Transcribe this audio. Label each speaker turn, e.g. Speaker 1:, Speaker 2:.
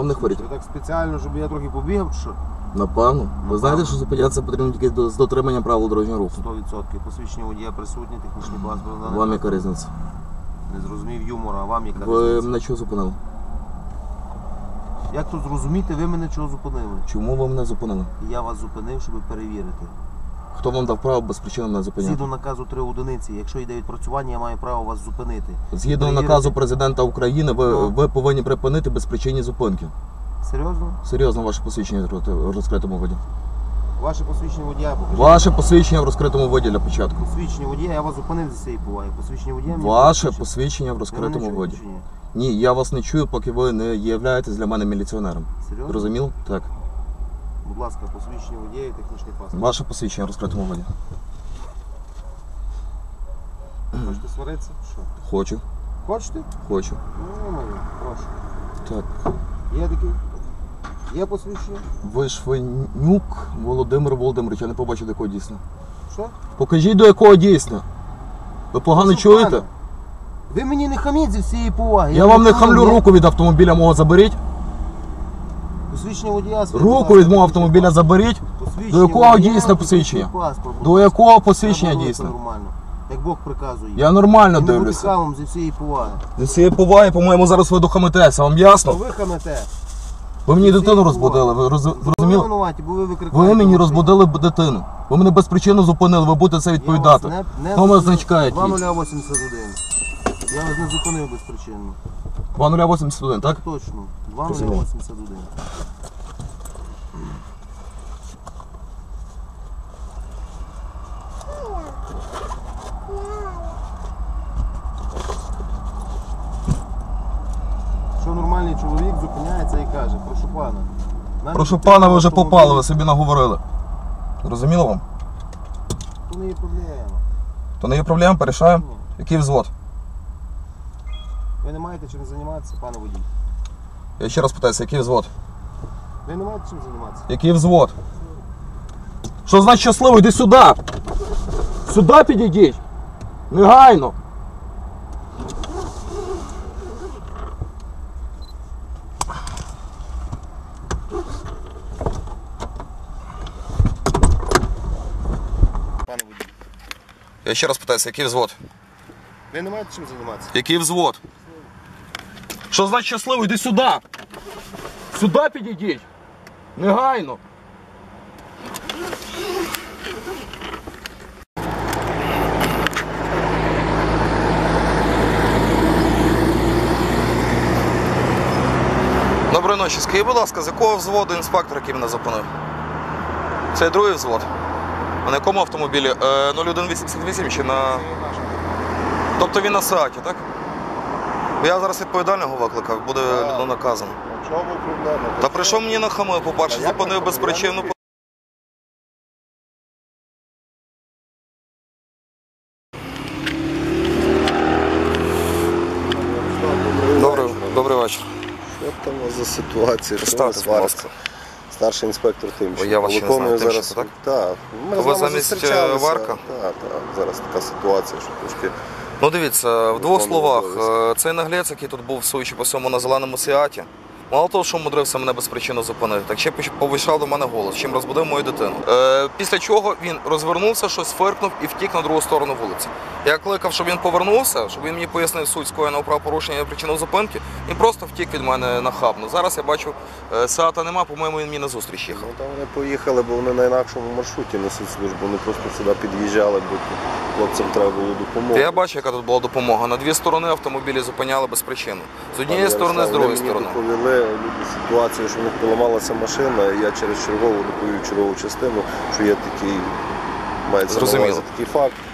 Speaker 1: Вам не хворіти?
Speaker 2: Ви так спеціально, щоб я трохи побігав, чи що?
Speaker 1: Напевно. Ви знаєте, що зупинятися потрібно тільки з дотриманням правил дорожнього руху?
Speaker 2: 100%. Посвідчення водія присутні, технічний паспорт.
Speaker 1: Вам яка різниця?
Speaker 2: Не зрозумів юмора, а вам яка
Speaker 1: Ви
Speaker 2: різниця?
Speaker 1: мене чого зупинили?
Speaker 2: Як тут зрозуміти, ви мене чого зупинили?
Speaker 1: Чому ви мене зупинили?
Speaker 2: Я вас зупинив, щоб перевірити.
Speaker 1: Хто вам дав право без причини мене зупиняти?
Speaker 2: Згідно наказу 3 одиниці, якщо йде відпрацювання, я маю право вас зупинити.
Speaker 1: Згідно
Speaker 2: Перевірити.
Speaker 1: наказу президента України, ви повинні припинити безпричинні зупинки.
Speaker 2: Серйозно?
Speaker 1: Серйозно, ваше посвідчення в розкритому виді.
Speaker 2: Ваше посвідчення водія покажіть.
Speaker 1: Ваше посвідчення в розкритому виді для початку.
Speaker 2: Посвідчення водія, я вас зупинив зі цієї поваги. Посвідчення водія мені
Speaker 1: Ваше
Speaker 2: посвідчення.
Speaker 1: посвідчення в
Speaker 2: Ви
Speaker 1: розкритому
Speaker 2: мене
Speaker 1: виді.
Speaker 2: чуєте чи ні?
Speaker 1: Ні, я вас не чую, поки ви не являєтесь для мене міліціонером.
Speaker 2: Серйозно?
Speaker 1: Розуміло? Так.
Speaker 2: Будь ласка, посвідчення водія і технічний паспорт.
Speaker 1: Ваше посвідчення в розкритому виді.
Speaker 2: Хочете сваритися? Що?
Speaker 1: Хочу.
Speaker 2: Хочете?
Speaker 1: Хочу.
Speaker 2: Ну, прошу.
Speaker 1: Так.
Speaker 2: Є такий? Є посвідчення?
Speaker 1: Вишвенюк Володимир Володимирович, я не побачив, до якого дійсно.
Speaker 2: Що?
Speaker 1: Покажіть, до якого дійсно. Ви погано
Speaker 2: Що,
Speaker 1: чуєте?
Speaker 2: пане? Ви мені не хаміть зі всієї поваги.
Speaker 1: Я вам не
Speaker 2: хамлю,
Speaker 1: хамлю,
Speaker 2: ні?
Speaker 1: руку від автомобіля мого заберіть.
Speaker 2: Посвідчення водія.
Speaker 1: Руку від мого автомобіля заберіть.
Speaker 2: Посвідчення
Speaker 1: До якого
Speaker 2: водія,
Speaker 1: дійсне посвідчення?
Speaker 2: технічний паспорт, будь
Speaker 1: До
Speaker 2: ласка.
Speaker 1: якого посвідчення
Speaker 2: Треба
Speaker 1: дійсне?
Speaker 2: робити нормально. Як Бог приказує.
Speaker 1: Я нормально
Speaker 2: І не бути
Speaker 1: дивлюся.
Speaker 2: хамом зі всієї поваги.
Speaker 1: Зі всієї поваги, по-моєму, зараз ви дохамитеся, вам
Speaker 2: То
Speaker 1: ясно?
Speaker 2: ви хамете.
Speaker 1: Ви мені
Speaker 2: Зі
Speaker 1: дитину
Speaker 2: всієї
Speaker 1: розбудили, ви
Speaker 2: Ви
Speaker 1: зрозуміли?
Speaker 2: винуваті, бо ви викрикаєте.
Speaker 1: Ви мені розбудили дитину. Ви мене без причини зупинили, ви будете це відповідати. Номер значка який?
Speaker 2: 2081. Я вас не зупинив безпричинно.
Speaker 1: 2081, так?
Speaker 2: Точно.
Speaker 1: Розумію.
Speaker 2: 2081. Що нормальний чоловік зупиняється і каже, прошу пана. в мене
Speaker 1: Прошу
Speaker 2: дитина
Speaker 1: пана, ви вже
Speaker 2: автомобілі».
Speaker 1: попали, ви собі наговорили. Зрозуміло вам?
Speaker 2: То не є проблема.
Speaker 1: То не є проблем, порішаємо.
Speaker 2: Ні.
Speaker 1: Який взвод?
Speaker 2: Ви не маєте чим займатися, пане водій.
Speaker 1: Я ще раз питаюся, який взвод?
Speaker 2: Ви не маєте чим займатися.
Speaker 1: Який взвод? Що значить щасливо? Йди сюди! Сюди підійдіть! Негайно!
Speaker 2: Пане водій.
Speaker 1: Я ще раз питаюся, який взвод?
Speaker 2: Ви не маєте чим займатися.
Speaker 1: Який взвод? Що значить щасливо? Йди сюди! Сюди підійдіть! Негайно! Доброї ночі. Скажіть, будь ласка, з якого взводу інспектор, який мене зупинив? Це другий взвод. А на якому автомобілі? 0188 чи на... Тобто він на Сааті, так? Бо я зараз відповідального викликав, буде наказано.
Speaker 2: В чому проблема?
Speaker 1: Та прийшов мені на хами, по-перше,
Speaker 2: Та як
Speaker 1: зупинив
Speaker 2: на
Speaker 1: без
Speaker 2: хами?
Speaker 1: причини. Добрий вечір.
Speaker 3: Що там у вас за ситуація? Що
Speaker 1: Представте,
Speaker 3: ви
Speaker 1: будь ласка.
Speaker 3: сваритеся? Старший інспектор Тимченко.
Speaker 1: Я вас ще не
Speaker 3: Виконую
Speaker 1: знаю,
Speaker 3: зараз.
Speaker 1: Тимченко,
Speaker 3: Так. Ми
Speaker 1: Ви
Speaker 3: з вами
Speaker 1: замість,
Speaker 3: зустрічалися.
Speaker 1: Варка?
Speaker 3: Так. Зараз така ситуація, що трошки...
Speaker 1: Ну дивіться, в двох
Speaker 3: Виконував
Speaker 1: словах,
Speaker 3: обов'язки.
Speaker 1: цей наглець, який тут був, судячи по всьому, на зеленому Сіаті, мало того, що мудрився мене без причини зупинити, так ще повищав до мене голос, чим розбудив мою дитину. Після чого він розвернувся, щось фиркнув і втік на другу сторону вулиці. Я кликав, щоб він повернувся, щоб він мені пояснив суть скоєного правопорушення і причину зупинки, він просто втік від мене нахабно. Зараз я бачу, Сіата нема, по-моєму, він мені на зустріч їхав.
Speaker 3: Ну, там вони поїхали, бо вони на інакшому маршруті несуть службу. Вони просто сюди під'їжджали, бо тут хлопцям треба було допомогти.
Speaker 1: Я бачу, яка тут була допомога. На дві сторони автомобілі зупиняли без причини. З однієї сторони, з другої сторони.
Speaker 3: Вони мені доповіли люди ситуацію, що в них поламалася машина, і я через чергову доповів чергову частину, що є такий, мається на увазі такий факт.